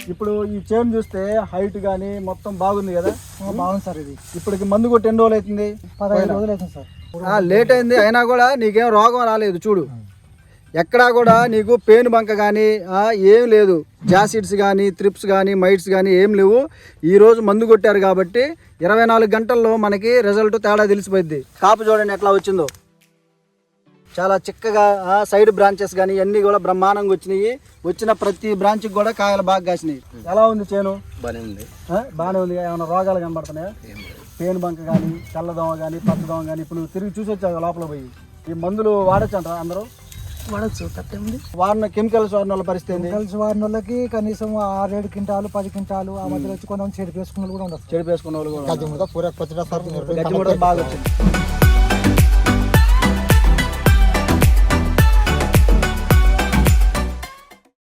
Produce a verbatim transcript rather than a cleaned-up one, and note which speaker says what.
Speaker 1: ఇప్పుడు ఈ చేను చూస్తే హైట్ కానీ మొత్తం బాగుంది కదా.
Speaker 2: బాగుంది సార్. ఇది
Speaker 1: ఇప్పటికి మందు కొట్టి ఎన్ని రోజులు అవుతుంది?
Speaker 2: పదహైదు రోజులు అవుతుంది సార్.
Speaker 1: లేట్ అయింది అయినా కూడా నీకేం రోగం రాలేదు చూడు. ఎక్కడా కూడా నీకు పేను బంక కానీ ఏం లేదు. జాసిడ్స్ కానీ త్రిప్స్ కానీ మైట్స్ కానీ ఏం లేవు. ఈరోజు మందు కొట్టారు కాబట్టి ఇరవై నాలుగు గంటల్లో మనకి రిజల్ట్ తేడా తెలిసిపోయింది. కాపు చూడండి ఎట్లా వచ్చిందో, చాలా చిక్కగా. సైడ్ బ్రాంచెస్ కానీ అన్నీ కూడా బ్రహ్మాండంగా వచ్చినాయి. వచ్చిన ప్రతి బ్రాంచ్కి కూడా కాయలు బాగా కాసినాయి. ఎలా ఉంది చేను?
Speaker 3: బాగానే ఉంది.
Speaker 1: బాగానే ఉంది. ఏమైనా రోగాలు కనబడుతున్నాయా? పేను బంక కానీ తెల్లదోమ కానీ పచ్చదోమ కానీ ఇప్పుడు నువ్వు తిరిగి చూసి వచ్చావు లోపల పోయి. ఈ మందులు వాడచ్చు అంటారా అందరూ?
Speaker 2: వాడచ్చు, తప్పేముంది.
Speaker 1: వాడిన కెమికల్స్ వాడిన వాళ్ళ పరిస్థితి ఏంది?
Speaker 2: కెమికల్స్ వాడిన వాళ్ళకి కనీసం ఆరేడు క్వింటాలు పది క్వింటాలు ఆ మధ్యలో వచ్చి కొంతమంది చెడిపేసుకున్న వాళ్ళు కూడా ఉండదు.
Speaker 1: చెడిపేసుకున్న వాళ్ళు కూడా
Speaker 2: గడ్డి ముడత పూర పచ్చడి సార్
Speaker 1: గడ్డి ముడత బాగా వచ్చింది.